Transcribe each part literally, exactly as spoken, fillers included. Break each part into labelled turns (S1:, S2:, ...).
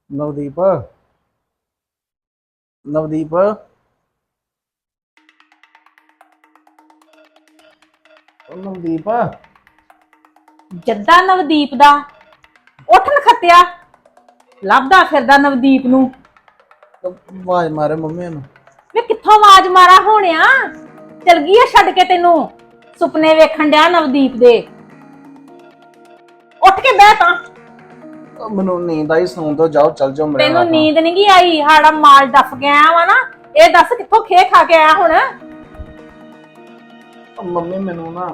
S1: ਨਵਦੀਪ ਨਵਦੀਪ ਉਹ ਨਵਦੀਪ
S2: ਜੱਦਾ ਨਵਦੀਪ ਦਾ ਉੱਠ ਨਖੱਤਿਆ ਲੱਭਦਾ ਫਿਰਦਾ ਨਵਦੀਪ ਨੂੰ।
S1: ਆਵਾਜ਼ ਮਾਰੇ ਮੰਮੀ ਨੂੰ।
S2: ਵੇ ਕਿੱਥੋਂ ਆਵਾਜ਼ ਮਾਰਾ ਹੋਣਿਆ? ਚਲ ਗਈ ਆ ਛੱਡ ਕੇ ਤੈਨੂੰ ਸੁਪਨੇ ਵੇਖਣ ਡਿਆ ਨਵਦੀਪ ਦੇ। ਉੱਠ ਕੇ ਬਹਿ ਤਾਂ।
S1: ਉਹ ਮੈਨੂੰ ਨੀਂਦ ਆਈ, ਸੌਂ ਦੋ, ਜਾਓ ਚੱਲ ਜਾਓ ਮੇਰੇ
S2: ਤੈਨੂੰ
S1: ਨਾਲ।
S2: ਨੀਂਦ ਨਹੀਂ ਗਈ ਆਈ? ਸਾਡਾ ਮਾਲ ਡੱਫ ਗਿਆ ਵਾ ਨਾ। ਇਹ ਦੱਸ ਕਿੱਥੋਂ ਖੇ ਖਾ ਕੇ ਆਇਆ ਹੁਣ?
S1: ਉਹ ਮੰਮੀ ਮੈਨੂੰ ਨਾ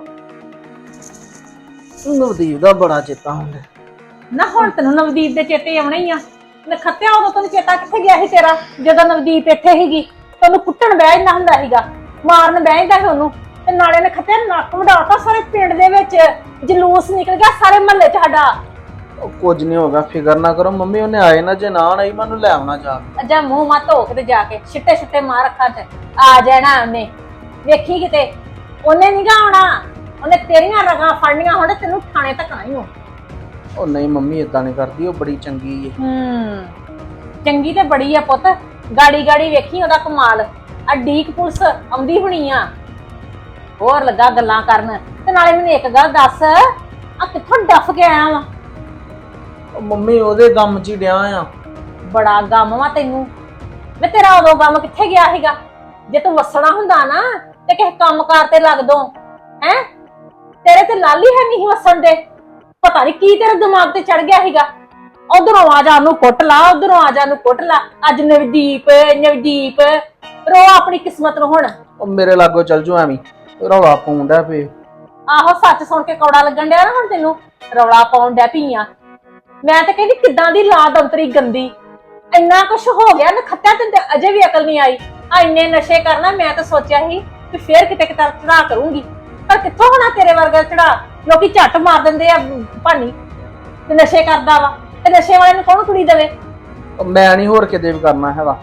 S1: ਨਵਦੀਪ ਦਾ ਬੜਾ ਚੇਤਾ ਹੁੰਦਾ।
S2: ਨਾ ਹੁਣ ਤੈਨੂੰ ਨਵਦੀਪ ਦੇ ਚੇਤੇ ਆਉਣੇ ਹੀ ਆ। ਨਖੱਤਿਆ ਉਦੋਂ ਤੈਨੂੰ ਚੇਤਾ ਕਿੱਥੇ ਗਿਆ ਸੀ ਤੇਰਾ? ਜਦੋਂ ਨਵਦੀਪ ਇੱਥੇ ਸੀਗੀ ਤੈਨੂੰ ਕੁੱਟਣ ਬਹਿ ਜਾਂਦਾ ਹੁੰਦਾ ਸੀਗਾ, ਮਾਰਨ ਬਹਿ ਜਾਂਦਾ ਸੀ ਉਹਨੂੰ। ਤੇ ਨਾਲੇ ਨਖੱਤਿਆ ਨੱਕ ਵਡਾਤਾ ਸਾਰੇ ਪਿੰਡ ਦੇ ਵਿੱਚ, ਜਲੂਸ ਨਿਕਲ ਗਿਆ ਸਾਰੇ ਮਹੱਲੇ 'ਚ ਸਾਡਾ।
S1: ਉਹ ਕੁਝ ਨਹੀਂ ਹੋਗਾ, ਫਿਕਰ ਨਾ ਕਰੋ ਮੰਮੀ। ਉਹਨੇ ਆਏ ਨਾ, ਜੇ ਨਾ ਆਈ ਮੈਨੂੰ ਲੈ ਆਉਣਾ ਜਾ ਕੇ।
S2: ਅੱਜਾ ਮੂੰਹ ਮਾ ਧੋ ਕੇ ਤੇ ਜਾ ਕੇ ਛਿੱਟੇ ਛਿੱਟੇ ਮਾਰ ਅੱਖਾਂ 'ਚ ਆ ਜਾਣਾ ਉਹਨੇ। ਵੇਖੀ ਕਿਤੇ ਉਹਨੇ ਨੀ ਗਾ ਆਉਣਾ, ਉਹਨੇ ਤੇਰੀਆਂ ਰਗਾਂ ਫੜਨੀਆਂ ਹੁਣ ਤੈਨੂੰ ਥਾਣੇ ਤੱਕ ਆਈ ਹੋ।
S1: ਉਹ ਨਹੀਂ ਮੰਮੀ ਏਦਾਂ ਨਹੀਂ ਕਰਦੀ, ਉਹ ਬੜੀ ਚੰਗੀ ਏ।
S2: ਹੂੰ ਚੰਗੀ ਤੇ ਬੜੀ ਆ ਪੁੱਤ। ਗਾੜੀ ਗਾੜੀ ਵੇਖੀ ਉਹਦਾ ਕਮਾਲ। ਆ ਡੀਕ ਪੁਲਿਸ ਆਉਂਦੀ ਹੋਣੀ ਆ, ਹੋਰ ਲੱਗਾ ਗੱਲਾਂ ਕਰਨ। ਤੇ ਨਾਲੇ ਮੈਨੂੰ ਇੱਕ ਗੱਲ ਦੱਸ, ਆ ਕਿੱਥੋਂ ਡੱਫ ਕੇ ਆਇਆ ਵਾ?
S1: ਉਹ ਮੰਮੀ ਉਹਦੇ ਗਮ 'ਚ ਹੀ ਡਿਆ ਆ।
S2: ਬੜਾ ਗਮ ਵਾ ਤੈਨੂੰ। ਵੇ ਤੇਰਾ ਉਦੋਂ ਗਮ ਕਿੱਥੇ ਗਿਆ ਸੀਗਾ? ਜੇ ਤੂੰ ਵਸਣਾ ਹੁੰਦਾ ਨਾ ਤੇ ਕਿਸੇ ਕੰਮਕਾਰ ਤੇ ਲੱਗ ਦੋ। ਹੈ ਤੇਰੇ ਤੇ ਲਾਲੀ ਹੈ ਨਹੀਂ ਵਸਣ ਦੇ। ਪਤਾ ਨਹੀਂ ਕੀ ਤੇਰੇ ਦਿਮਾਗ ਤੇ ਚੜ ਗਿਆ ਸੀਗਾ। ਉਧਰੋਂ ਆ ਜਾ ਉਹਨੂੰ ਕੁੱਟ ਲਾ, ਉਧਰੋਂ ਆ ਜਾ ਉਹਨੂੰ ਕੁੱਟ ਲਾ। ਅੱਜ ਨਵਦੀਪ ਨਵਦੀਪ ਰੋ ਆਪਣੀ ਕਿਸਮਤ ਨੂੰ ਹੁਣ।
S1: ਉਹ ਮੇਰੇ ਲਾਗੋ ਚੱਲ ਜੂ ਐਵੇਂ ਰੌਲਾ ਪਾਉਂਦਾ ਪਏ।
S2: ਆਹੋ ਸੱਚ ਸੁਣ ਕੇ ਕੌੜਾ ਲੱਗਣ ਡਿਆ ਨਾ ਹੁਣ ਤੈਨੂੰ। ਰੌਲਾ ਪਾਉਣ ਡੈ ਪਈ ਆ। ਮੈਂ ਤਾਂ ਕਹਿੰਦੀ ਕਿੱਦਾਂ ਦੀ ਲਾਦ ਅੰਤਰੀ ਗੰਦੀ। ਇੰਨਾ ਕੁਛ ਹੋ ਗਿਆ ਨਖੱਤਿਆ, ਤੈਨੂੰ ਅਜੇ ਵੀ ਅਕਲ ਨਹੀਂ ਆਈ। ਆ ਇੰਨੇ ਨਸ਼ੇ ਕਰਨਾ ਮੈਂ ਤਾਂ ਸੋਚਿਆ ਸੀ ਕਿ ਫੇਰ ਕਿਤੇ ਕਿਤੇ ਚੜਾ ਕਰੂੰਗੀ, ਪਰ ਕਿੱਥੋਂ ਹੋਣਾ ਤੇਰੇ ਵਰਗਾ ਚੜਾ। ਲੋਕੀ ਝੱਟ ਮਾਰ ਦਿੰਦੇ ਆ ਭਾਨੀ ਤੇ ਨਸ਼ੇ ਕਰਦਾ ਵਾ। ਤੇ ਨਸ਼ੇ ਵਾਲੇ ਨੂੰ ਕੌਣ ਕੁੜੀ ਦੇਵੇ?
S1: ਉਹ ਮੈਂ ਨਹੀਂ ਹੋਰ ਕਿਤੇ ਵੀ ਕਰਨਾ ਹੈਗਾ।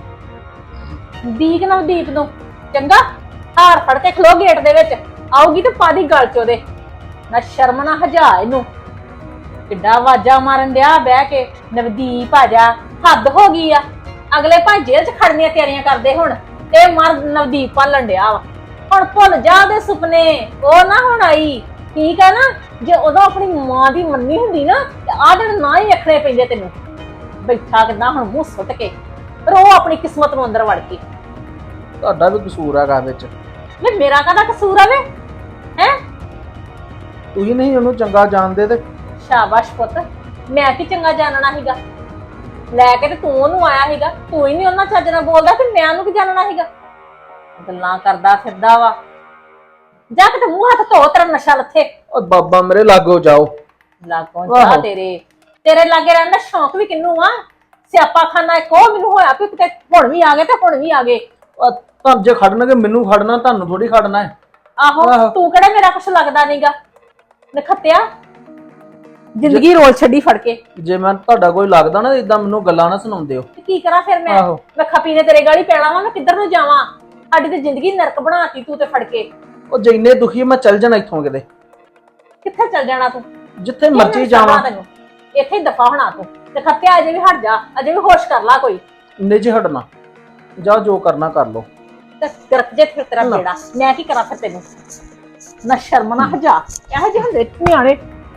S2: ਦੀਕ ਨਵਦੀਪ ਨੂੰ ਚੰਗਾ ਹਾਰ ਫੜ ਕੇ ਖਲੋ ਗੇਟ ਦੇ ਵਿੱਚ। ਆਊਗੀ ਤੇ ਪਾਦੀ ਗਲ ਚ ਉਹਦੇ। ਨਾ ਸ਼ਰਮ ਨਾ ਹਜਾ ਇਹਨੂੰ। ਕਿੱਡਾ ਆਵਾਜ਼ਾਂ ਮਾਰਨ ਡਿਆ ਬਹਿ ਕੇ, ਨਵਦੀਪ ਆ ਜਾ। ਹੱਦ ਹੋ ਗਈ ਆ। ਅਗਲੇ ਭਾਂ ਜੇਲ੍ਹ 'ਚ ਖੜਨੀਆਂ ਤਿਆਰੀਆਂ ਕਰਦੇ ਹੁਣ। ਤੇ ਮਰ ਨਵਦੀਪ ਪਾਲਣ ਡਿਆ ਵਾ। ਹੁਣ ਭੁੱਲ ਜਾ ਦੇ ਸੁਪਨੇ, ਉਹ ਨਾ ਹੁਣ ਆਈ। ਠੀਕ ਆ ਨਾ? ਜੇ ਉਦੋਂ ਆਪਣੀ ਮਾਂ ਦੀ ਮੰਨੀ ਹੁੰਦੀ ਨਾ ਤੇ ਆਹ ਦਿਨ ਨਾ ਹੀ ਰੱਖਣੇ ਪੈਂਦੇ ਤੈਨੂੰ। ਬੈਠਾ ਕਿੱਦਾਂ ਹੁਣ ਮੂੰਹ ਸੁੱਟ ਕੇ, ਪਰ ਉਹ ਆਪਣੀ ਕਿਸਮਤ ਨੂੰ ਅੰਦਰ ਵੜ ਕੇ।
S1: ਤੁਹਾਡਾ ਵੀ ਕਸੂਰ ਹੈਗਾ ਵਿੱਚ।
S2: ਵੇ ਮੇਰਾ ਕਾਹਦਾ ਕਸੂਰ ਆ ਵੇ? ਹੈ
S1: ਤੁਸੀਂ ਨਹੀਂ ਉਹਨੂੰ ਚੰਗਾ ਜਾਣਦੇ ਤੇ।
S2: ਸ਼ਾਬਾਸ਼ ਪੁੱਤ। ਮੈਂ ਕੀ ਚੰਗਾ ਜਾਣਨਾ ਸੀਗਾ? ਲੈ ਕੇ ਤੇ ਤੂੰ ਉਹਨੂੰ ਆਇਆ ਸੀਗਾ। ਤੂੰ ਹੀ ਨਹੀਂ ਉਹਨਾਂ ਚੱਜ ਨਾਲ ਬੋਲਦਾ ਤੇ ਮੈਂ ਉਹਨੂੰ ਕੀ ਜਾਣਨਾ ਸੀਗਾ? ਗੱਲਾਂ ਕਰਦਾ ਫਿਰਦਾ ਵਾ। ਜਾ ਕੇ ਤੇ ਮੂੰਹ ਹੱਥ ਧੋ, ਤੇਰਾ ਨਸ਼ਾ ਲੱਥੇ।
S1: ਉਹ ਬਾਬਾ ਮੇਰੇ ਲਾਗੋ ਜਾਓ।
S2: ਲਾਗੋਂ ਜਾ ਤੇਰੇ ਤੇਰੇ ਲਾਗੇ ਰਹਿਣ ਦਾ ਸ਼ੌਂਕ ਵੀ ਕਿੰਨੂੰ ਆ? ਸਿਆਪਾ ਖਾਨਾ ਇੱਕ ਉਹ ਮੈਨੂੰ ਹੋਇਆ ਵੀ ਕਿਤੇ ਹੁਣ ਵੀ ਆ ਗਏ ਤੇ ਹੁਣ ਵੀ ਆ ਗਏ।
S1: ਤੁਹਾਨੂੰ ਜੇ ਖੜਨਗੇ ਮੈਨੂੰ ਖੜਨਾ, ਤੁਹਾਨੂੰ ਥੋੜੀ ਖੜਨਾ ਹੈ।
S2: ਆਹੋ ਤੂੰ ਕਿਹੜਾ ਮੇਰਾ ਕੁਛ ਲੱਗਦਾ ਨਹੀਂਗਾ। ਨਖੱਤਿਆ ਜ਼ਿੰਦਗੀ ਰੋਲ ਛੱਡੀ ਫੜ ਕੇ।
S1: ਜੇ ਮੈਂ ਤੁਹਾਡਾ ਕੋਈ ਲੱਗਦਾ ਨਾ ਇਦਾਂ ਮੈਨੂੰ ਗੱਲਾਂ ਨਾ ਸੁਣਾਉਂਦੇ ਹੋ।
S2: ਕੀ ਕਰਾਂ ਫਿਰ ਮੈਂ? ਮੈਂ ਖਪੀ ਨੇ ਤੇਰੇ ਗਾਲੀ ਪੈਣਾ ਵਾ। ਮੈਂ ਕਿੱਧਰ ਨੂੰ ਜਾਵਾਂ? ਸਾਡੀ ਤੇ ਜ਼ਿੰਦਗੀ ਨਰਕ ਬਣਾਤੀ ਤੂੰ ਤੇ ਫੜ ਕੇ।
S1: ਉਹ ਜਿੰਨੇ ਦੁਖੀ ਮੈਂ ਚੱਲ ਜਾਣਾ ਇੱਥੋਂ ਕਿਤੇ।
S2: ਕਿੱਥੇ ਚੱਲ ਜਾਣਾ ਤੂੰ?
S1: ਜਿੱਥੇ ਮਰਜ਼ੀ ਜਾਵਾਂ।
S2: ਤੈਨੂੰ ਇੱਥੇ ਹੀ ਦਫਾ ਹੋਣਾ ਤੂੰ। ਨਖੱਤਿਆ ਅਜੇ ਵੀ ਹਟ ਜਾ, ਅਜੇ ਵੀ ਹੋਸ਼ ਕਰ ਲਾ ਕੋਈ।
S1: ਨਿਜ ਹਟਣਾ। ਜਾ ਜੋ ਕਰਨਾ ਕਰ ਲੋ।
S2: ਤੇ ਗਰਕ ਜੇ ਫਿਰ ਤੇਰਾ ਬੇੜਾ। ਮੈਂ ਕੀ ਕਰਾਂ ਫਿਰ ਤੈਨੂੰ? ਨਾ ਸ਼ਰਮ ਨਾ ਹਜਾ। ਇਹੋ ਜਿਹੇ ਹੁੰਦੇ ਨਿਆਣੇ।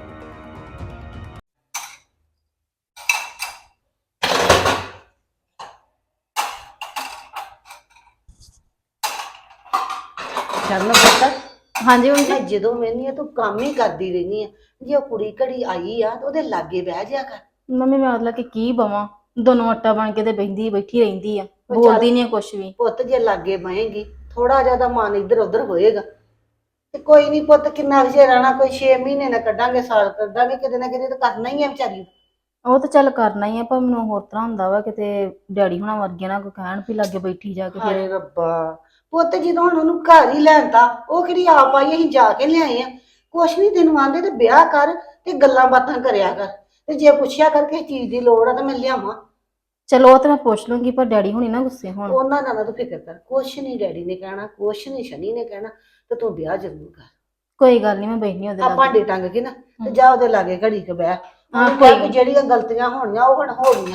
S3: ਚਰਨ ਪੁੱਤ।
S4: ਹਾਂਜੀ ਮੰਮੀ
S3: ਮੈਂ ਜਦੋਂ ਮੈਨੀ ਆ ਤੂੰ ਕੰਮ ਹੀ ਕਰਦੀ ਰਹਿਨੀ ਆ। ਜੇ ਉਹ ਕੁੜੀ ਘੜੀ ਆਈ ਆ ਤੇ ਉਹਦੇ ਲਾਗੇ ਬਹਿ ਜਾ ਕਰ।
S4: ਮੰਮੀ ਮੈਂ ਉਹਦਾ ਕਿ ਕੀ ਬਵਾਂ, ਦੋਨੋਂ ਆਟਾ ਬਣ ਕੇ ਤੇ ਬੈਠੀ ਬੈਠੀ ਰਹਿੰਦੀ ਆ, ਬੋਲਦੀ ਨਹੀਂ ਕੁਛ ਵੀ।
S3: ਪੁੱਤ ਜੇ ਲਾਗੇ ਬਹੇਗੀ ਥੋੜਾ ਜਿਆਦਾ ਮਨ ਇੱਧਰ ਉੱਧਰ ਹੋਏਗਾ ਤੇ ਕੋਈ ਨਹੀਂ ਪੁੱਤ। ਕਿੰਨਾ ਵਿਚੇ ਰਹਿਣਾ? ਕੋਈ ਛੇ ਮਹੀਨੇ ਨਾ ਕੱਢਾਂਗੇ, ਸਾਲ ਕੱਢਾਂਗੇ, ਕਿਤੇ ਨਾ ਕਿਤੇ ਤਾਂ ਕਰਨਾ ਹੀ ਆ ਵਿਚਾਰੀ।
S4: ਉਹ ਤਾਂ ਚੱਲ ਕਰਨਾ ਹੀ ਆ, ਪਰ ਮੈਨੂੰ ਹੋਰ ਤਰ੍ਹਾਂ ਹੁੰਦਾ ਵਾ ਕਿਤੇ ਡੈਡੀ ਹੁਣਾਂ ਵਰਗੇ ਨਾ ਕੋਈ ਕਹਿਣ ਵੀ ਲਾਗੇ ਬੈਠੀ ਜਾ ਕੇ।
S3: ਹਾਏ ਰੱਬਾ ਪੁੱਤ, ਜਦੋਂ ਹੁਣ ਉਹਨੂੰ ਘਰ ਹੀ ਲੈਣਤਾ, ਉਹ ਕਿਹੜੀ ਆਪ ਆਈ? ਅਸੀਂ ਜਾ ਕੇ ਲਿਆਏ ਆ। ਕੁਛ ਨਹੀਂ ਤੈਨੂੰ ਆਂਦੇ ਤੇ ਵਿਆਹ ਕਰ ਤੇ ਗੱਲਾਂ ਬਾਤਾਂ ਕਰਿਆ ਕਰ। ਤੇ ਜੇ ਪੁੱਛਿਆ ਕਰ ਕਿਸੇ ਚੀਜ਼ ਦੀ ਲੋੜ ਆ ਤਾਂ ਮੈਂ ਲਿਆਵਾਂ।
S4: ਚਲੋ ਉਹ ਤਾਂ ਮੈਂ ਪੁੱਛ ਲੂੰਗੀ, ਪਰ ਡੈਡੀ ਹੁਣੀ ਨਾ ਗੁੱਸੇ ਹੋਣ।
S3: ਉਹਨਾਂ ਦਾ ਨਾ ਤੂੰ ਫਿਕਰ ਕਰ। ਕੁਛ ਨਹੀਂ ਡੈਡੀ ਨੇ ਕਹਿਣਾ, ਕੁਛ ਨਹੀਂ ਸ਼ਨੀ ਨੇ ਕਹਿਣਾ। ਤੇ ਤੂੰ ਵਿਆਹ ਜ਼ਰੂਰ ਕਰ।
S4: ਕੋਈ ਗੱਲ ਨਹੀਂ, ਮੈਂ ਬੈਠੀ ਉਹਦੇ
S3: ਆ
S4: ਲਾਗੇ।
S3: ਭਾਂਡੇ ਟੰਗ ਕੇ ਨਾ ਤੇ ਜਾ ਉਹਦੇ ਲਾਗੇ ਘੜੀ ਕੇ ਬਹਿ।
S4: ਹਾਂ,
S3: ਉਹਨੂੰ ਕਹਿ ਵੀ ਜਿਹੜੀਆਂ ਗਲਤੀਆਂ ਹੋਣੀਆਂ ਉਹ ਹੁਣ ਹੋ ਗਈਆਂ ਨੇ,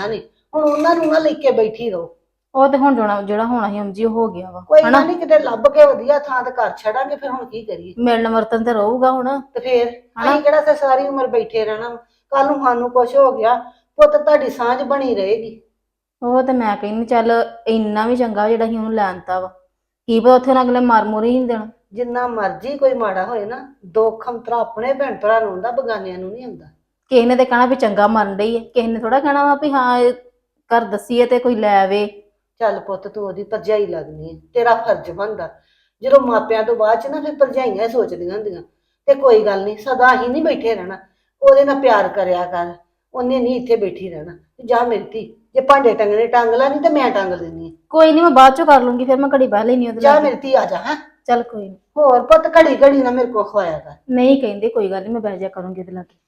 S3: ਹੁਣ ਉਹਨਾਂ ਨੂੰ ਨਾ ਲੈ ਕੇ ਬੈਠੀ ਰਹੋ।
S4: ਉਹ ਤੇ ਹੁਣ ਜਾਣਾ ਜਿਹੜਾ ਹੋਣਾ ਸੀ ਉਂਝ ਹੀ ਹੋ ਗਿਆ ਵਾ
S3: ਕੋਈ
S4: ਹਨਾ।
S3: ਗੱਲ ਨਹੀਂ, ਕਿਤੇ ਲੱਭ ਕੇ ਵਧੀਆ ਥਾਂ ਤੇ ਘਰ ਛੱਡਾਂਗੇ, ਫਿਰ ਹੁਣ ਕੀ ਕਰੀਏ।
S4: ਮਿਲਣ ਵਰਤਨ ਤੇ ਰਹੂਗਾ ਹੁਣ।
S3: ਤੇ ਫੇਰ
S4: ਹਨਾ।
S3: ਅਸੀਂ ਕਿਹੜਾ ਤੇ ਸਾਰੀ ਉਮਰ ਬੈਠੇ ਰਹਿਣਾ, ਕੱਲ ਨੂੰ ਸਾਨੂੰ ਕੁਛ ਹੋ ਗਿਆ ਪੁੱਤ ਤੁਹਾਡੀ ਸਾਂਝ ਬਣੀ ਰਹੇਗੀ।
S4: ਉਹ ਤੇ ਮੈਂ ਕਹਿੰਦੀ ਚੱਲ ਇੰਨਾ ਵੀ ਚੰਗਾ ਜਿਹੜਾ ਅਸੀਂ ਉਹਨੂੰ ਲੈਣਤਾ ਵਾ, ਕੀ ਪਤਾ ਉੱਥੇ ਨਾ ਅਗਲੇ ਮਾਰ ਮੁਰ ਹੀ ਨਹੀਂ ਦੇਣਾ।
S3: ਜਿੰਨਾ ਮਰਜ਼ੀ ਕੋਈ ਮਾੜਾ ਹੋਏ ਨਾ, ਦੁੱਖ ਅੰਤਰਾ ਆਪਣੇ ਭੈਣ ਭਰਾ ਨੂੰ ਹੁੰਦਾ, ਬਗਾਨਿਆਂ ਨੂੰ ਨਹੀਂ ਹੁੰਦਾ।
S4: ਕਿਸੇ ਨੇ ਤੇ ਕਹਿਣਾ ਵੀ ਚੰਗਾ ਮਰਨ ਡਈ ਹੈ, ਕਿਸੇ ਨੇ ਥੋੜਾ ਕਹਿਣਾ ਵਾ ਵੀ ਹਾਂ ਇਹ ਘਰ ਦੱਸੀਏ ਤੇ ਕੋਈ ਲੈ ਆਵੇ।
S3: ਚੱਲ ਪੁੱਤ ਤੂੰ ਉਹਦੀ ਭਰਜਾਈ ਲੱਗਦੀ ਹੈ, ਤੇਰਾ ਫਰਜ਼ ਬਣਦਾ। ਜਦੋਂ ਮਾਪਿਆਂ ਤੋਂ ਬਾਅਦ ਚ ਨਾ ਫਿਰ ਭਰਜਾਈਆਂ ਸੋਚਦੀਆਂ ਹੁੰਦੀਆਂ। ਤੇ ਕੋਈ ਗੱਲ ਨਹੀਂ, ਸਦਾ ਹੀ ਨਹੀਂ ਬੈਠੇ ਰਹਿਣਾ, ਉਹਦੇ ਨਾਲ ਪਿਆਰ ਕਰਿਆ ਕਰ, ਉਹਨੇ ਨਹੀਂ ਇੱਥੇ ਬੈਠੀ ਰਹਿਣਾ। ਜਾ ਮੇਰੀ ਧੀ, ਜੇ ਭਾਂਡੇ ਟੰਗਣੇ ਟੰਗ ਲਾ, ਨਹੀਂ ਤੇ ਮੈਂ ਟੰਗ ਦਿੰਦੀ ਹਾਂ।
S4: ਕੋਈ ਨਹੀਂ ਮੈਂ ਬਾਅਦ ਚੋਂ ਕਰ ਲੂੰਗੀ, ਫਿਰ ਮੈਂ ਘੜੀ ਬਹਿ ਲੈਣੀ ਉਹਦੇ
S3: ਜਾ
S4: ਨਾਲ।
S3: ਮੇਰੀ ਧੀ ਆ ਜਾ। ਹੈ
S4: ਚੱਲ ਕੋਈ ਨੀ।
S3: ਹੋਰ ਪੁੱਤ ਘੜੀ ਘੜੀ ਨਾ ਮੇਰੇ ਕੋਲ ਖਵਾਇਆ ਕਰ।
S4: ਨਹੀਂ ਕਹਿੰਦੇ ਕੋਈ ਗੱਲ ਨਹੀਂ, ਮੈਂ ਬਹਿ ਜਾ ਕਰੂੰਗੀ ਉਹਦੇ ਲਾਗੇ।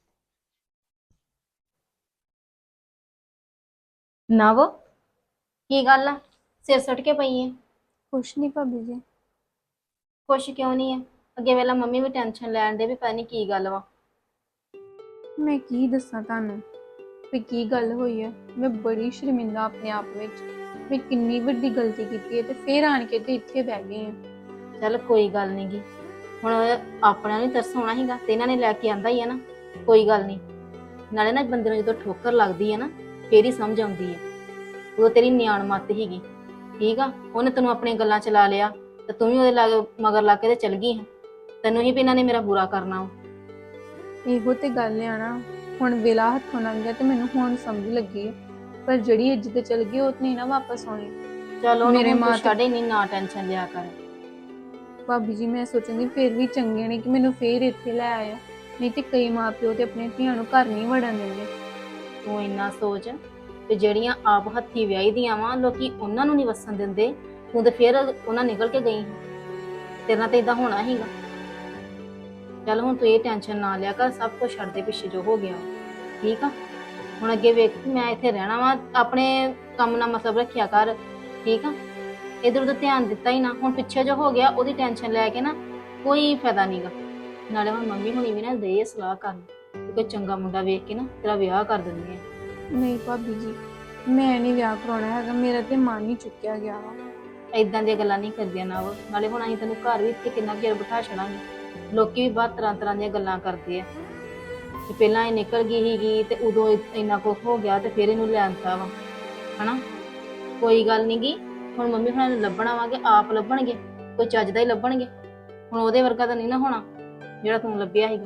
S4: ਨਵ ਕੀ ਗੱਲ ਆ, ਸਿਰ ਸੁੱਟ ਕੇ ਪਈ ਹੈ?
S5: ਕੁਛ ਨਹੀਂ ਭਾਬੀ ਜੀ।
S4: ਕੁਛ ਕਿਉਂ ਨਹੀਂ ਹੈ? ਅੱਗੇ ਵੇਲਾ ਮੰਮੀ ਵੀ ਟੈਨਸ਼ਨ ਲੈਣ ਦੇ ਵੀ ਪਤਾ ਨਹੀਂ ਕੀ ਗੱਲ ਵਾ।
S5: ਮੈਂ ਕੀ ਦੱਸਾਂ ਤੁਹਾਨੂੰ ਵੀ ਕੀ ਗੱਲ ਹੋਈ ਹੈ। ਮੈਂ ਬੜੀ ਸ਼ਰਮਿੰਦਾ ਆਪਣੇ ਆਪ ਵਿੱਚ, ਮੈਂ ਕਿੰਨੀ ਵੱਡੀ ਗਲਤੀ ਕੀਤੀ ਹੈ ਤੇ ਫੇਰ ਆਣ ਕੇ ਤੇ ਇੱਥੇ ਬਹਿ ਗਈ ਹਾਂ।
S4: ਚੱਲ ਕੋਈ ਗੱਲ ਨਹੀਂ ਗੀ, ਹੁਣ ਆਪਣਾ ਨਹੀਂ ਤਰਸ ਹੋਣਾ ਸੀਗਾ ਤੇ ਇਹਨਾਂ ਨੇ ਲੈ ਕੇ ਆਂਦਾ ਹੀ ਆ ਨਾ, ਕੋਈ ਗੱਲ ਨਹੀਂ। ਨਾਲੇ ਨਾ ਬੰਦੇ ਨੂੰ ਜਦੋਂ ਠੋਕਰ ਲੱਗਦੀ ਹੈ ਨਾ ਫੇਰ ਹੀ ਸਮਝ ਆਉਂਦੀ ਹੈ। ਉਹ ਤੇਰੀ ਨਿਆਣ ਮੱਤ ਹੀਗੀ, ਠੀਕ ਆ। ਉਹਨੇ ਤੈਨੂੰ ਆਪਣੀਆਂ ਗੱਲਾਂ ਚ ਲਾ ਲਿਆ ਤੇ ਤੂੰ ਵੀ ਉਹਦੇ ਲਾਗੇ ਮਗਰ ਲਾ ਕੇ ਤੇ ਚਲ ਗਈ ਹੈ। ਤੈਨੂੰ ਹੀ ਵੀ ਇਹਨਾਂ ਨੇ ਮੇਰਾ ਬੁਰਾ ਕਰਨਾ ਵਾ।
S5: ਇਹੋ ਤੇ ਗੱਲ ਆ ਨਾ, ਹੁਣ ਵੇਲਾ ਹੱਥੋਂ ਲੰਘ ਗਿਆ ਤੇ ਮੈਨੂੰ ਹੁਣ ਸਮਝ ਲੱਗੀ ਹੈ, ਪਰ ਜਿਹੜੀ ਇੱਜ਼ਤ ਚਲ ਗਈ ਉਹ ਤੇ ਨਹੀਂ ਨਾ ਵਾਪਸ ਆਉਣੀ।
S4: ਚਲੋ
S5: ਮੇਰੇ ਮਾਂ
S4: ਛੱਡੇ ਨਹੀਂ, ਨਾ ਟੈਨਸ਼ਨ ਲਿਆ ਕਰ।
S5: ਭਾਬੀ ਜੀ ਮੈਂ ਸੋਚਦੀ ਫੇਰ ਵੀ ਚੰਗੇ ਨੇ ਕਿ ਮੈਨੂੰ ਫੇਰ ਇੱਥੇ ਲੈ ਆਇਆ, ਨਹੀਂ ਤੇ ਕਈ ਮਾਪਿਓ ਤੇ ਆਪਣੇ ਧੀਆਂ ਨੂੰ ਘਰ ਨਹੀਂ ਵੜਨ ਦਿੰਦੇ।
S4: ਤੂੰ ਇੰਨਾ ਸੋਚ ਤੇ ਜਿਹੜੀਆਂ ਆਪ ਹੱਥੀ ਵਿਆਹੀ ਦੀਆਂ ਵਾ ਲੋਕੀ ਉਹਨਾਂ ਨੂੰ ਨਹੀਂ ਵਸਣ ਦਿੰਦੇ, ਤੂੰ ਤੇ ਫੇਰ ਉਹਨਾਂ ਨਿਕਲ ਕੇ ਗਈ। ਤੇਰੇ ਨਾਲ ਤੇ ਇਦਾਂ ਹੋਣਾ ਹੀਗਾ। ਚੱਲ ਹੁਣ ਤੂੰ ਇਹ ਟੈਨਸ਼ਨ ਨਾ ਲਿਆ ਕਰ, ਸਭ ਕੁਝ ਛੱਡ ਦੇ ਪਿੱਛੇ ਜੋ ਹੋ ਗਿਆ, ਠੀਕ ਆ। ਹੁਣ ਅੱਗੇ ਵੇਖ ਮੈਂ ਇੱਥੇ ਰਹਿਣਾ ਵਾ, ਆਪਣੇ ਕੰਮ ਨਾਲ ਮਤਲਬ ਰੱਖਿਆ ਕਰ, ਠੀਕ ਆ। ਇਧਰ ਉਧਰ ਧਿਆਨ ਦਿੱਤਾ ਹੀ ਨਾ, ਹੁਣ ਪਿੱਛੇ ਜੋ ਹੋ ਗਿਆ ਉਹਦੀ ਟੈਨਸ਼ਨ ਲੈ ਕੇ ਨਾ ਕੋਈ ਫਾਇਦਾ ਨਹੀਂਗਾ। ਨਾਲੇ ਹੁਣ ਮੰਮੀ ਹੁਣੀ ਵੀ ਨਾ ਦੇ ਸਲਾਹ ਕਰਨ ਕੋਈ ਚੰਗਾ ਮੁੰਡਾ ਵੇਖ ਕੇ ਨਾ ਤੇਰਾ ਵਿਆਹ ਕਰ ਦਿੰਦੇ ਆ।
S5: ਨਹੀਂ ਭਾਬੀ ਜੀ, ਮੈਂ ਨਹੀਂ ਵਿਆਹ ਕਰਾਉਣਾ ਹੈਗਾ, ਮੇਰਾ ਤੇ ਮਨ ਹੀ ਚੁੱਕਿਆ ਗਿਆ ਵਾ।
S4: ਏਦਾਂ ਦੀਆਂ ਗੱਲਾਂ ਨਹੀਂ ਕਰਦੀਆਂ ਨਾ ਉਹ। ਨਾਲੇ ਹੁਣ ਅਸੀਂ ਤੈਨੂੰ ਘਰ ਵੀ ਇੱਥੇ ਕਿੰਨਾ ਚਿਰ ਬਿਠਾ ਛੜਾਂਗੇ, ਲੋਕੀ ਵੀ ਬਹੁਤ ਤਰ੍ਹਾਂ ਤਰ੍ਹਾਂ ਦੀਆਂ ਗੱਲਾਂ ਕਰਦੇ ਆ ਕਿ ਪਹਿਲਾਂ ਇਹ ਨਿਕਲ ਗਈ ਸੀਗੀ ਤੇ ਉਦੋਂ ਇੰਨਾ ਕੁਝ ਹੋ ਗਿਆ ਤੇ ਫਿਰ ਇਹਨੂੰ ਲਿਆਂਦਾ ਵਾ, ਹਨਾ। ਕੋਈ ਗੱਲ ਨੀ ਗੀ, ਹੁਣ ਮੰਮੀ ਹੁਣਾਂ ਨੂੰ ਲੱਭਣਾ ਵਾਂਗੇ, ਆਪ ਲੱਭਣਗੇ, ਕੋਈ ਚੱਜ ਦਾ ਹੀ ਲੱਭਣਗੇ। ਹੁਣ ਉਹਦੇ ਵਰਗਾ ਤਾਂ ਨਹੀਂ ਨਾ ਹੋਣਾ ਜਿਹੜਾ ਤੂੰ ਲੱਭਿਆ ਸੀਗਾ।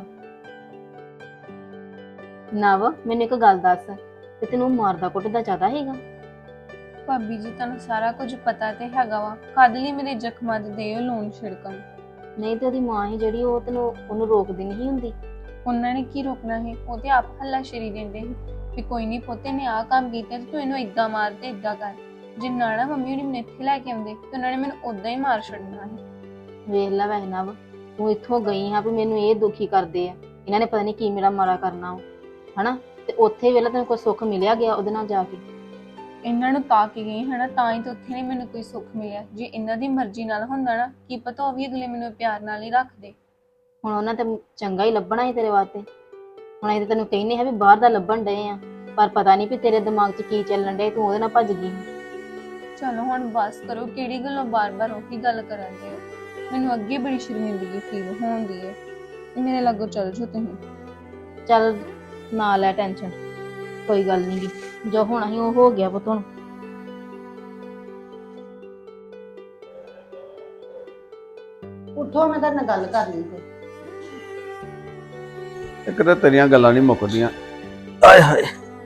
S4: ਨਵ ਮੈਨੂੰ ਇੱਕ ਗੱਲ ਦੱਸ, ਤੇ ਤੈਨੂੰ ਮਾਰਦਾ ਕੁੱਟਦਾ ਜ਼ਿਆਦਾ ਹੈਗਾ?
S5: ਭਾਬੀ ਜੀ ਤੁਹਾਨੂੰ ਸਾਰਾ ਕੁਝ ਪਤਾ ਤੇ ਹੈਗਾ ਵਾ, ਕਦ ਲਈ ਮੇਰੇ ਜ਼ਖਮਾਂ ਤੇ ਦਿਓ ਲੂਣ ਛਿੜਕਣ।
S4: ਨਹੀਂ ਤੇ ਉਹਦੀ ਮਾਂ ਹੀ ਜਿਹੜੀ ਉਹ ਤੈਨੂੰ ਉਹਨੂੰ ਰੋਕਦੀ ਨਹੀਂ ਹੁੰਦੀ?
S5: ਉਹਨਾਂ ਨੇ ਕੀ ਰੋਕਣਾ ਹੈ, ਉਹ ਤੇ ਆਪ ਹੱਲਾ ਸ਼ੇਰੀ ਦਿੰਦੇ ਸੀ ਵੀ ਕੋਈ ਨਹੀਂ ਪੋਤੇ ਨੇ ਆਹ ਕੰਮ ਕੀਤਾ ਤੇ ਤੂੰ ਇਹਨੂੰ ਏਦਾਂ ਮਾਰ ਤੇ ਏਦਾਂ ਕਰ। ਜੇ ਨਾ ਨਾ ਮੰਮੀ ਉਹਨੇ ਮੈਨੂੰ ਇੱਥੇ ਲੈ ਕੇ ਆਉਂਦੇ ਤੇ ਉਹਨਾਂ ਨੇ ਮੈਨੂੰ ਉਦਾਂ ਹੀ ਮਾਰ ਛੱਡਣਾ ਸੀ।
S4: ਵੇਖ ਲੈ ਵੈਸੇ ਨਵ, ਤੂੰ ਇੱਥੋਂ ਗਈ ਹਾਂ ਵੀ ਮੈਨੂੰ ਇਹ ਦੁਖੀ ਕਰਦੇ ਆ, ਇਹਨਾਂ ਨੇ ਪਤਾ ਨਹੀਂ ਕੀ ਮੇਰਾ ਮਾਰਾ ਕਰਨਾ ਵਾ, ਹਨਾ। ਤੇ ਉੱਥੇ ਵੇਲੇ ਤੈਨੂੰ ਕੋਈ ਸੁੱਖ ਮਿਲਿਆ ਗਿਆ ਉਹਦੇ ਨਾਲ ਜਾ ਕੇ?
S5: ਇਹਨਾਂ ਨੂੰ ਤਾਂ ਕੀ ਗਈ ਹਨਾ, ਤਾਂ ਹੀ ਤਾਂ ਉੱਥੇ ਨਹੀਂ ਮੈਨੂੰ ਕੋਈ ਸੁੱਖ ਮਿਲਿਆ। ਜੇ ਇਹਨਾਂ ਦੀ ਮਰਜ਼ੀ ਨਾਲ ਹੁੰਦਾ ਨਾ, ਕੀ ਪਤਾ ਉਹ ਵੀ ਅਗਲੇ ਮੈਨੂੰ ਪਿਆਰ ਨਾਲ ਹੀ ਰੱਖਦੇ।
S4: ਹੁਣ ਉਹਨਾਂ ਤੇ ਚੰਗਾ ਹੀ ਲੱਭਣਾ ਸੀ ਤੇਰੇ ਵਾਸਤੇ। ਹੁਣ ਅਸੀਂ ਤੇ ਤੈਨੂੰ ਕਹਿੰਦੇ ਹਾਂ ਵੀ ਬਾਹਰ ਦਾ ਲੱਭਣ ਡਏ ਆ, ਪਰ ਪਤਾ ਨਹੀਂ ਵੀ ਤੇਰੇ ਦਿਮਾਗ 'ਚ ਕੀ ਚੱਲਣ ਡਿਆ, ਤੂੰ ਉਹਦੇ ਨਾਲ ਭੱਜ ਗਈ।
S5: ਚਲੋ ਹੁਣ ਬਸ ਕਰੋ, ਕਿਹੜੀ ਗੱਲੋਂ ਬਾਰ-ਬਾਰ ਉਹੀ ਗੱਲ ਕਰਨ ਦੇ ਹੋ। ਮੈਨੂੰ ਅੱਗੇ ਬੜੀ ਸ਼ਰਮਿੰਦਗੀ ਫੀਲ ਹੁੰਦੀ ਹੈ, ਮੇਰੇ ਲਾਗੋਂ ਚੱਲ ਜਾਓ ਤੁਸੀਂ।
S4: ਚੱਲ ਨਾ ਲੈ ਟੈਨਸ਼ਨ, ਕੋਈ ਗੱਲ ਨਹੀਂ ਗੀ, ਜੋ ਹੋਣਾ ਸੀ ਉਹ ਹੋ ਗਿਆ ਪੁੱਤ। ਹੁਣ
S3: ਉੱਠੋ, ਮੈਂ ਤੁਹਾਡੇ ਨਾਲ ਗੱਲ ਕਰਨੀ ਕੋਈ।
S6: ਇੱਕ ਤਾਂ ਤੇਰੀਆਂ ਗੱਲਾਂ ਨਹੀਂ ਮੁੱਕਦੀਆਂ। ਆਏ ਹਾਏ,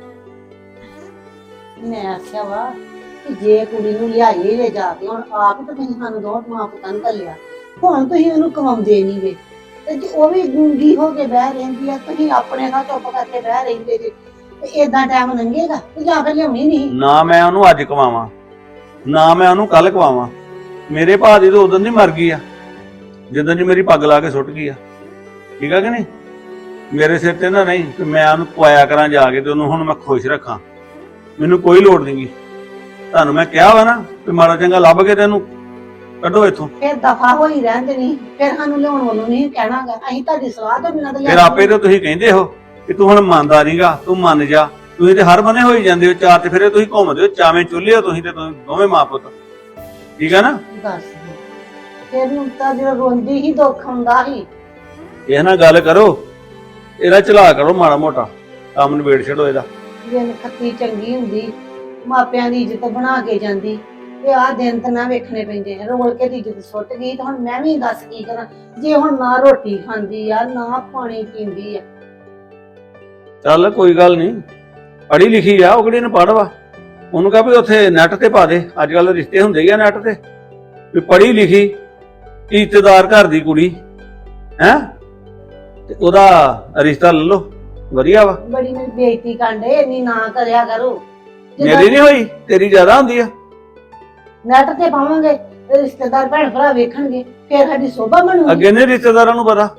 S3: ਮੈਂ ਆਖਿਆ ਵਾ ਕਿ ਜੇ ਕੁੜੀ ਨੂੰ ਲਿਆਈਏ ਲੈ ਜਾ ਕੇ, ਹੁਣ ਆਪ ਤਾਂ ਤੁਸੀਂ ਸਾਨੂੰ ਦੋ ਮਾਂ ਪੁੱਤਾਂ ਨੂੰ ਘੱਲਿਆ, ਹੁਣ ਤੁਸੀਂ ਉਹਨੂੰ ਕਮਾਉਂਦੇ ਨਹੀਂ ਵੇ, ਤੇ ਜੇ ਉਹ ਵੀ ਗੂੰਗੀ ਹੋ ਕੇ ਬਹਿ ਰਹਿੰਦੀ ਆ, ਤੁਸੀਂ ਆਪਣੇ ਨਾਲ ਚੁੱਪ ਕਰਕੇ ਬਹਿ ਰਹਿੰਦੇ ਜੇ, ਤੇ ਏਦਾਂ ਟਾਈਮ ਲੰਘੇਗਾ ਤੇ ਜਾਂ ਫਿਰ ਲਿਆਉਣੀ ਨਹੀਂ।
S6: ਨਾ ਮੈਂ ਉਹਨੂੰ ਅੱਜ ਕਵਾਵਾਂ, ਨਾ ਮੈਂ ਉਹਨੂੰ ਕੱਲ ਕਵਾਵਾਂ। ਮੇਰੇ ਭਾ ਦੀ ਤਾਂ ਉਦੋਂ ਦੀ ਮਰ ਗਈ ਆ ਜਦੋਂ ਦੀ ਮੇਰੀ ਪੱਗ ਲਾ ਕੇ ਸੁੱਟ ਗਈ ਆ, ਠੀਕ ਆ ਕਿ ਨਹੀਂ। ਮੇਰੇ ਸਿਰ ਤੇ ਨਾ ਨਹੀਂ ਕਿ ਮੈਂ ਉਹਨੂੰ ਪਵਾਇਆ ਕਰਾਂ ਜਾ ਕੇ ਤੇ ਉਹਨੂੰ ਹੁਣ ਮੈਂ ਖੁਸ਼ ਰੱਖਾਂ, ਮੈਨੂੰ ਕੋਈ ਲੋੜ ਨਹੀਂਗੀ। ਤੁਹਾਨੂੰ ਮੈਂ ਕਿਹਾ ਵਾ ਨਾ ਕਿ ਮਾੜਾ ਚੰਗਾ ਲੱਭ ਕੇ ਤੈਨੂੰ ਕੱਢੋ ਇੱਥੋਂ।
S3: ਫਿਰ ਦਫਾ ਹੋਈ ਰਹਿੰਦੇ ਨਹੀਂ, ਫਿਰ ਸਾਨੂੰ ਲਿਆਉਣ ਵੱਲੋਂ ਨਹੀਂ ਕਹਿਣਾਗਾ, ਅਸੀਂ ਤੁਹਾਡੀ ਸਲਾਹ ਤੋਂ ਬਿਨਾਂ ਤਾਂ
S6: ਫਿਰ ਆਪੇ ਤਾਂ ਤੁਸੀਂ ਕਹਿੰਦੇ ਹੋ ਕਿ ਤੂੰ ਹੁਣ ਮੰਨਦਾ ਨਹੀਂਗਾ, ਤੂੰ ਮੰਨ ਜਾ, ਤੁਸੀਂ ਤੇ ਹਰ ਬੰਨੇ ਹੋਈ ਜਾਂਦੇ ਹੋ, ਚਾਰ ਤੇ ਫਿਰੇ ਤੁਸੀਂ ਘੁੰਮਦੇ ਹੋ, ਚਾਵੇਂ ਚੁੱਲ੍ਹੇ ਹੋ ਤੁਸੀਂ ਤੇ ਤੁਸੀਂ ਦੋਵੇਂ ਮਾਂ ਪੁੱਤ, ਠੀਕ ਆ ਨਾ।
S3: ਦੱਸ ਫਿਰ ਨੂੰ ਤਾਂ ਜਦੋਂ ਰੋਂਦੀ ਹੀ ਦੁੱਖ ਹੁੰਦਾ ਸੀ।
S6: ਇਹ ਨਾਲ ਗੱਲ ਕਰੋ, ਇਹਦਾ ਚਲਾ ਕਰੋ ਮਾੜਾ ਮੋਟਾ, ਕੰਮ ਨਿਬੇੜ ਛੱਡੋ ਇਹਦਾ।
S3: ਜੇ ਖੱਤੀ ਚੰਗੀ ਹੁੰਦੀ, ਮਾਪਿਆਂ ਦੀ ਇੱਜ਼ਤ ਬਣਾ ਕੇ ਜਾਂਦੀ, ਤੇ ਆਹ ਦਿਨ ਤਾਂ ਨਾ ਵੇਖਣੇ ਪੈਂਦੇ ਆ। ਰੋਲ ਕੇ ਦੀ ਇੱਜ਼ਤ ਸੁੱਟ ਗਈ ਤੇ ਹੁਣ ਮੈਂ ਵੀ ਦੱਸ ਕੀ ਕਰਾਂ, ਜੇ ਹੁਣ ਨਾ ਰੋਟੀ ਖਾਂਦੀ ਆ ਨਾ ਪਾਣੀ ਪੀਂਦੀ ਆ।
S6: ਚੱਲ ਕੋਈ ਗੱਲ ਨਹੀਂ, ਪੜ੍ਹੀ ਲਿਖੀ ਆ, ਉਹ ਕਿਹੜੀ ਨੂੰ ਪੜ੍ਹ ਵਾ, ਉਹਨੂੰ ਕਹਾਂ ਵੀ ਉੱਥੇ ਨੈਟ ਤੇ ਪਾ ਦੇ, ਅੱਜ ਕੱਲ ਰਿਸ਼ਤੇ ਹੁੰਦੇ ਹੀ ਆ ਨੈਟ ਤੇ, ਵੀ ਪੜ੍ਹੀ ਲਿਖੀ ਇੱਜ਼ਤਦਾਰ ਘਰ ਦੀ ਕੁੜੀ ਹੈ ਤੇ ਉਹਦਾ ਰਿਸ਼ਤਾ ਲੈ ਲਓ, ਵਧੀਆ ਵਾ।
S3: ਬੜੀ ਮੇਰੀ ਬੇਇੱਜ਼ਤੀ ਕਰਦੇ, ਇੰਨੀ ਨਾ ਕਰਿਆ ਕਰੋ।
S6: ਮੇਰੀ ਨਹੀਂ ਹੋਈ, ਤੇਰੀ ਜ਼ਿਆਦਾ ਹੁੰਦੀ ਆ।
S3: ਨੈਟ ਤੇ ਪਾਵਾਂਗੇ ਤੇ ਰਿਸ਼ਤੇਦਾਰ ਭੈਣ ਭਰਾ ਵੇਖਣਗੇ, ਫਿਰ ਸਾਡੀ ਸੋਭਾ ਬਣੂਗੀ।
S6: ਅੱਗੇ ਨੇ ਰਿਸ਼ਤੇਦਾਰਾਂ ਨੂੰ ਪਤਾ,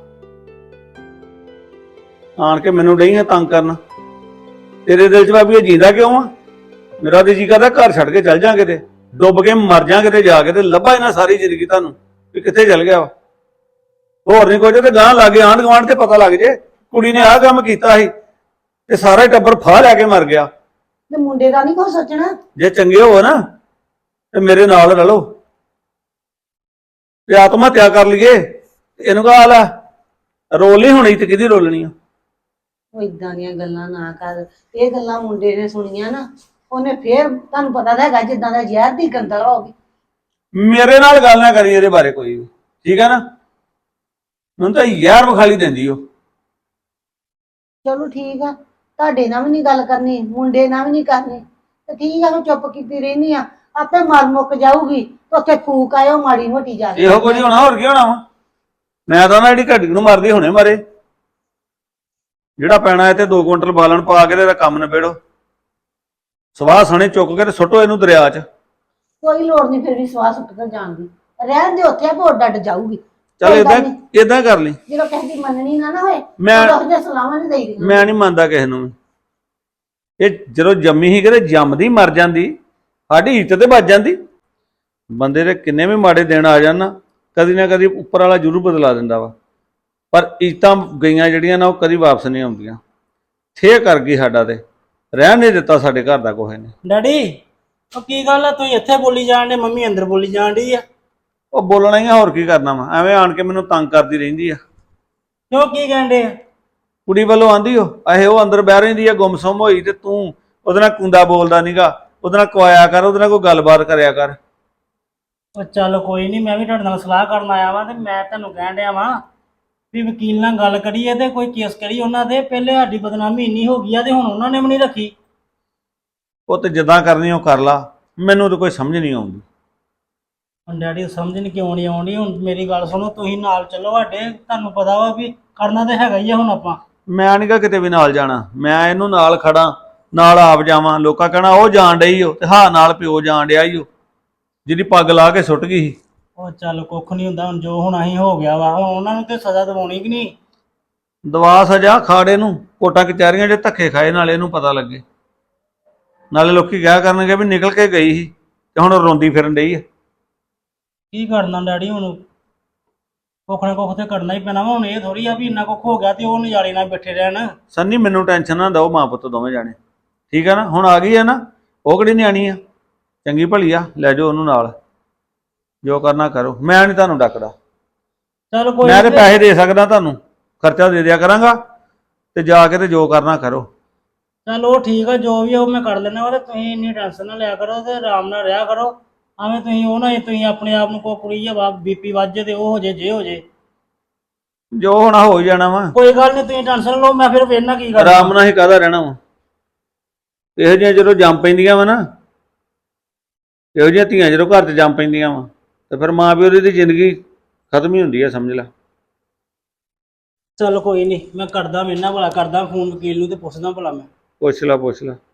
S6: ਆਣ ਕੇ ਮੈਨੂੰ ਡਈ ਆ ਤੰਗ ਕਰਨ। ਤੇਰੇ ਦਿਲ 'ਚ ਭਾਬੀ ਇਹ ਜੀਂਦਾ ਕਿਉਂ ਆ? ਮੇਰਾ ਤੇ ਜੀ ਕਰਦਾ ਘਰ ਛੱਡ ਕੇ ਚੱਲ ਜਾਂ ਕਿਤੇ, ਡੁੱਬ ਕੇ ਮਰ ਜਾਂ ਕਿਤੇ ਜਾ ਕੇ, ਤੇ ਲੱਭਾ ਇਹਨਾਂ ਸਾਰੀ ਜ਼ਿੰਦਗੀ ਤੁਹਾਨੂੰ ਵੀ ਕਿੱਥੇ ਚੱਲ ਗਿਆ ਵਾ। ਹੋਰ ਨਹੀਂ ਕੁਝ ਤੇ ਗਾਂ ਲੱਗੇ ਆਂਢ ਗੁਆਂਢ ਤੇ ਪਤਾ ਲੱਗ ਜੇ ਕੁੜੀ ਨੇ ਆਹ ਕੰਮ ਕੀਤਾ ਸੀ ਤੇ ਸਾਰਾ ਹੀ ਟੱਬਰ ਫਾਹ ਲੈ ਕੇ ਮਰ ਗਿਆ।
S3: ਤੇ ਮੁੰਡੇ ਦਾ ਨਹੀਂ ਕੁਛ ਸੋਚਣਾ।
S6: ਜੇ ਚੰਗੇ ਹੋ ਨਾ ਤੇ ਮੇਰੇ ਨਾਲ ਰਲੋ ਤੇ ਆਤਮ ਹੱਤਿਆ ਕਰ ਲਈਏ, ਇਹਨੂੰ ਕਹਾ ਲੈ ਰੋਲ ਨਹੀਂ ਹੋਣੀ ਤੇ ਕਿਹਦੀ ਰੋਲਣੀ ਆ।
S3: ਉਹ ਇਦਾਂ ਦੀਆਂ ਗੱਲਾਂ ਨਾ ਕਰ, ਇਹ ਗੱਲਾਂ ਮੁੰਡੇ ਨੇ ਸੁਣੀਆਂ ਨਾ, ਉਹਨੇ ਫੇਰ ਤੁਹਾਨੂੰ ਪਤਾ ਤਾਂ ਹੈਗਾ ਜਿੱਦਾਂ ਦਾ ਜ਼ਹਿਰ ਦੀ ਗੰਦਲ ਹੋਗੀ।
S6: ਮੇਰੇ ਨਾਲ ਗੱਲ ਨਾ ਕਰੀ ਇਹਦੇ ਬਾਰੇ ਕੋਈ ਵੀ, ਠੀਕ ਹੈ ਨਾ। ਮੈਨੂੰ ਤਾਂ ਯਾਰ ਵਿਖਾਲੀ ਦਿੰਦੀ ਉਹ।
S3: ਚਲੋ ਠੀਕ ਆ, ਤੁਹਾਡੇ ਨਾਲ ਵੀ ਨਹੀਂ ਗੱਲ ਕਰਨੀ, ਮੁੰਡੇ ਨਾਲ ਵੀ ਨਹੀਂ ਕਰਨੀ, ਤੇ ਠੀਕ ਆ ਮੈਂ ਚੁੱਪ ਕੀਤੀ ਰਹਿਨੀ ਆ, ਆਪੇ ਮਰ ਮੁੱਕ ਜਾਊਗੀ ਤੇ ਉੱਥੇ ਫੂਕ ਆਇਓ ਮਾੜੀ ਮੋਟੀ ਜਾ ਕੇ।
S6: ਇਹੋ ਕੁਝ ਹੋਣਾ, ਹੋਰ ਕੀ ਹੋਣਾ ਵਾ। ਮੈਂ ਤਾਂ ਨਾ ਜਿਹੜੀ ਘੜੀ ਨੂੰ ਮਰਦੀ ਹੁਣੇ ਮਾਰੇ, ਜਿਹੜਾ ਪੈਣਾ ਹੈ ਤੇ ਦੋ ਕੁਇੰਟਲ ਬਾਲਣ ਪਾ ਕੇ ਇਹਦਾ ਕੰਮ ਨਿਬੇੜੋ, ਸਵਾਹ ਸਣੇ ਚੁੱਕ ਕੇ ਤੇ ਸੁੱਟੋ ਇਹਨੂੰ ਦਰਿਆ 'ਚ।
S3: ਕੋਈ ਲੋੜ ਨਹੀਂ ਫਿਰ ਵੀ ਸਵਾਹ ਸੁੱਟ ਕੇ ਜਾਣ ਦੀ, ਰਹਿਣ ਦੇ ਉੱਥੇ ਆਪੇ ਡੱਡ ਜਾਊਗੀ।
S6: ਚੱਲ
S3: ਕੋਈ
S6: ਏਦਾਂ
S3: ਗੱਲ ਨੀ।
S6: ਏਦਾਂ ਕਰ ਲਈ।
S3: ਜਦੋਂ ਕਿਸੇ ਦੀ ਮੰਨਣੀ ਨਾ ਨਾ ਹੋਏ
S6: ਮੈਂ
S3: ਉਦੋਂ ਉਹਦੇ ਸਲਾਹਾਂ ਨਹੀਂ ਦੇਈਦੀਆਂ।
S6: ਮੈਂ ਨਹੀਂ ਮੰਨਦਾ ਕਿਸੇ ਨੂੰ ਵੀ। ਇਹ ਜਦੋਂ ਜੰਮੀ ਸੀ ਕਿਤੇ ਜੰਮਦੀ ਮਰ ਜਾਂਦੀ, ਸਾਡੀ ਇੱਜ਼ਤ ਤੇ ਵੱਜ ਜਾਂਦੀ। ਬੰਦੇ ਦੇ ਕਿੰਨੇ ਵੀ ਮਾੜੇ ਦਿਨ ਆ ਜਾਣ ਨਾ, ਕਦੀ ਨਾ ਕਦੀ ਉੱਪਰ ਵਾਲਾ ਜ਼ਰੂਰ ਬਦਲਾ ਦਿੰਦਾ ਵਾ, ਪਰ ਇੱਜ਼ਤਾਂ ਗਈਆਂ ਜਿਹੜੀਆਂ ਨਾ ਉਹ ਕਦੀ ਵਾਪਸ ਨਹੀਂ ਆਉਂਦੀਆਂ। ਥੇ ਕਰ ਗਈ ਸਾਡਾ, ਤੇ ਰਹਿਣ ਨਹੀਂ ਦਿੱਤਾ ਸਾਡੇ ਘਰ ਦਾ ਕੋਹੇ ਨੇ।
S7: ਡੈਡੀ ਉਹ ਕੀ ਗੱਲ ਆ, ਤੁਸੀਂ ਇੱਥੇ ਬੋਲੀ ਜਾਣ ਦੇ, ਮੰਮੀ ਅੰਦਰ ਬੋਲੀ ਜਾਣ ਡਈ ਆ।
S6: ਉਹ ਬੋਲਣਾ ਹੀ ਆ, ਹੋਰ ਕੀ ਕਰਨਾ ਵਾ, ਐਵੇਂ ਆਣ ਕੇ ਮੈਨੂੰ ਤੰਗ ਕਰਦੀ ਰਹਿੰਦੀ ਆ।
S7: ਕਿਉਂ ਕੀ ਕਹਿੰਦੇ ਆ?
S6: ਕੁੜੀ ਵੱਲੋਂ ਆਂਦੀ ਉਹ ਇਹ ਉਹ ਅੰਦਰ ਬਹਿ ਰਹਿੰਦੀ ਆ ਗੁੰਮਸੁੰਮ ਹੋਈ, ਤੇ ਤੂੰ ਉਹਦੇ ਨਾਲ ਕੁੰਦਾ ਬੋਲਦਾ ਨੀਗਾ, ਉਹਦੇ ਨਾਲ ਕੁਆਇਆ ਕਰ, ਉਹਦੇ ਨਾਲ ਕੋਈ ਗੱਲਬਾਤ ਕਰਿਆ ਕਰ।
S7: ਉਹ ਚੱਲ ਕੋਈ ਨਹੀਂ, ਮੈਂ ਵੀ ਤੁਹਾਡੇ ਨਾਲ ਸਲਾਹ ਕਰਨ ਆਇਆ ਵਾਂ, ਤੇ ਮੈਂ ਤੁਹਾਨੂੰ ਕਹਿਣ ਡਿਆ ਵਾਂ ਵੀ ਵਕੀਲ ਨਾਲ ਗੱਲ ਕਰੀਏ ਤੇ ਕੋਈ ਕੇਸ ਕਰੀ ਉਹਨਾਂ ਦੇ। ਪਹਿਲੇ ਸਾਡੀ ਬਦਨਾਮੀ ਇੰਨੀ ਹੋ ਗਈ ਆ ਤੇ ਹੁਣ ਉਹਨਾਂ ਨੇ ਵੀ ਨਹੀਂ ਰੱਖੀ।
S6: ਉਹ ਤੇ ਜਿੱਦਾਂ ਕਰਨੀ ਉਹ ਕਰ ਲਾ, ਮੈਨੂੰ ਤਾਂ ਕੋਈ ਸਮਝ ਨਹੀਂ ਆਉਂਦੀ।
S7: ਹੁਣ ਡੈਡੀ ਸਮਝ ਨਹੀਂ ਕਿਉਂ ਨਹੀਂ ਆਉਂਦੀ। ਹੁਣ ਮੇਰੀ ਗੱਲ ਸੁਣੋ, ਤੁਸੀਂ ਨਾਲ ਚੱਲੋ ਸਾਡੇ, ਤੁਹਾਨੂੰ ਪਤਾ ਵਾ ਵੀ ਕਰਨਾ ਤੇ ਹੈਗਾ ਹੀ ਆ ਹੁਣ ਆਪਾਂ।
S6: ਮੈਂ ਨੀ ਗਾ ਕਿਤੇ ਵੀ ਨਾਲ ਜਾਣਾ, ਮੈਂ ਇਹਨੂੰ ਨਾਲ ਖੜਾ, ਨਾਲ ਆਪ ਜਾਵਾਂ। ਲੋਕਾਂ ਕਹਿਣਾ ਉਹ ਜਾਣ ਡਈ ਓ, ਤੇ ਹਾਂ ਨਾਲ ਪਿਓ ਜਾਣ ਡਿਆ ਈ ਓ, ਜਿਹਦੀ ਪੱਗ ਲਾ ਕੇ ਸੁੱਟ ਗਈ ਸੀ।
S7: ਉਹ ਚੱਲ ਕੁੱਖ ਨਹੀਂ ਹੁੰਦਾ, ਹੁਣ ਜੋ ਹੋਣਾ ਹੀ ਹੋ ਗਿਆ ਵਾ, ਹੁਣ ਉਹਨਾਂ ਨੂੰ ਤੇ ਸਜ਼ਾ ਦਿਵਾਉਣੀ ਕਿ ਨਹੀਂ।
S6: ਦਵਾ ਸਜਾ ਖਾੜੇ ਨੂੰ, ਕੋਟਾਂ ਕਚਹਿਰੀਆਂ 'ਚ ਧੱਕੇ ਖਾਏ, ਨਾਲੇ ਇਹਨੂੰ ਪਤਾ ਲੱਗੇ, ਨਾਲੇ ਲੋਕੀ ਕਿਹਾ ਕਰਨਗੇ ਵੀ ਨਿਕਲ ਕੇ ਗਈ ਸੀ ਤੇ ਹੁਣ ਰੋਂਦੀ ਫਿਰਨ ਡਈ ਆ।
S7: ਕੀ ਕਰਨਾ ਡੈਡੀ, ਹੁਣ ਕੁੱਖ ਨਾ ਕੁੱਖ ਤੇ ਕਰਨਾ ਹੀ ਪੈਣਾ ਵਾ। ਹੁਣ ਇਹ ਥੋੜੀ ਆ ਵੀ ਇੰਨਾ ਕੁੱਖ ਹੋ ਗਿਆ ਤੇ ਉਹ ਨਜ਼ਾਰੇ ਨਾਲ ਬੈਠੇ ਰਹਿਣ।
S6: ਸੰਨੀ ਮੈਨੂੰ ਟੈਨਸ਼ਨ ਨਾ ਦਿਓ, ਮਾਂ ਪੁੱਤ ਦੋਵੇਂ ਜਾਣੇ, ਠੀਕ ਆ ਨਾ। ਹੁਣ ਆ ਗਈ ਆ ਨਾ, ਉਹ ਕਿਹੜੀ ਨਿਆਣੀ ਆ, ਚੰਗੀ ਭਲੀ ਆ, ਲੈ ਜਾਓ ਉਹਨੂੰ ਨਾਲ, ਜੋ ਕਰਨਾ ਕਰੋ। ਮੈਂ ਨਹੀਂ ਤੁਹਾਨੂੰ ਡੱਕਦਾ,
S7: ਚਲ ਕੋਈ
S6: ਮੈਂ ਤੇ
S7: ਨੀ।
S6: ਪੈਸੇ ਦੇ ਸਕਦਾ ਤੁਹਾਨੂੰ, ਖਰਚਾ ਦੇ ਦਿਆ ਕਰਾਂਗਾ, ਤੇ ਜਾ ਕੇ ਤੇ ਜੋ ਕਰਨਾ ਕਰੋ।
S7: ਚੱਲ ਉਹ ਠੀਕ ਆ, ਜੋ ਵੀ ਆ ਉਹ ਮੈਂ ਕਰ ਲੈਣਾ ਵਾ, ਤੇ ਤੁਸੀਂ ਇੰਨੀ ਟੈਨਸ਼ਨ ਨਾ ਲਿਆ ਕਰੋ ਤੇ ਆਰਾਮ ਨਾਲ ਰਿਹਾ ਕਰੋ। ਐਵੇਂ ਤੁਸੀਂ ਉਹ ਨਾ ਤੁਸੀਂ ਆਪਣੇ ਆਪ ਨੂੰ ਕੋਈ ਕੁੜੀ ਆ ਬੀਪੀ ਵੱਜ ਜੇ ਤੇ ਉਹ ਹੋ ਜੇ ਜੇ ਹੋ ਜੇ।
S6: ਜੋ ਹੋਣਾ ਹੋ ਹੀ ਜਾਣਾ ਵਾ,
S7: ਕੋਈ ਗੱਲ ਨਹੀਂ, ਤੁਸੀਂ ਟੈਨਸ਼ਨ ਲਓ, ਮੈਂ ਫਿਰ ਵੇਖਣਾ ਕੀ ਕਰਨਾ।
S6: ਆਰਾਮ ਨਾਲ ਹੀ ਕਾਹਦਾ ਰਹਿਣਾ ਵਾ। ਇਹੋ ਜਿਹੀਆਂ ਜਦੋਂ ਜੰਮ ਪੈਂਦੀਆਂ ਵਾ ਨਾ, ਇਹੋ ਜਿਹੀਆਂ ਧੀਆਂ ਜਦੋਂ ਘਰ 'ਚ ਜੰਮ ਪੈਂਦੀਆਂ ਵਾ, ਤੇ ਫਿਰ ਮਾਂ ਪਿਓ ਦੀ ਜ਼ਿੰਦਗੀ ਖਤਮ ਹੀ ਹੁੰਦੀ ਆ, ਸਮਝ ਲੈ।
S7: ਚਲ ਕੋਈ ਨਹੀਂ, ਮੈਂ ਕਰਦਾ ਮੇਰੇ ਨਾਲ ਭਲਾ ਕਰਦਾ ਫੋਨ ਵਕੀਲ ਨੂੰ ਤੇ ਪੁੱਛਦਾ ਭਲਾ ਮੈਂ।
S6: ਪੁੱਛ ਲਾ ਪੁੱਛ ਲਾ।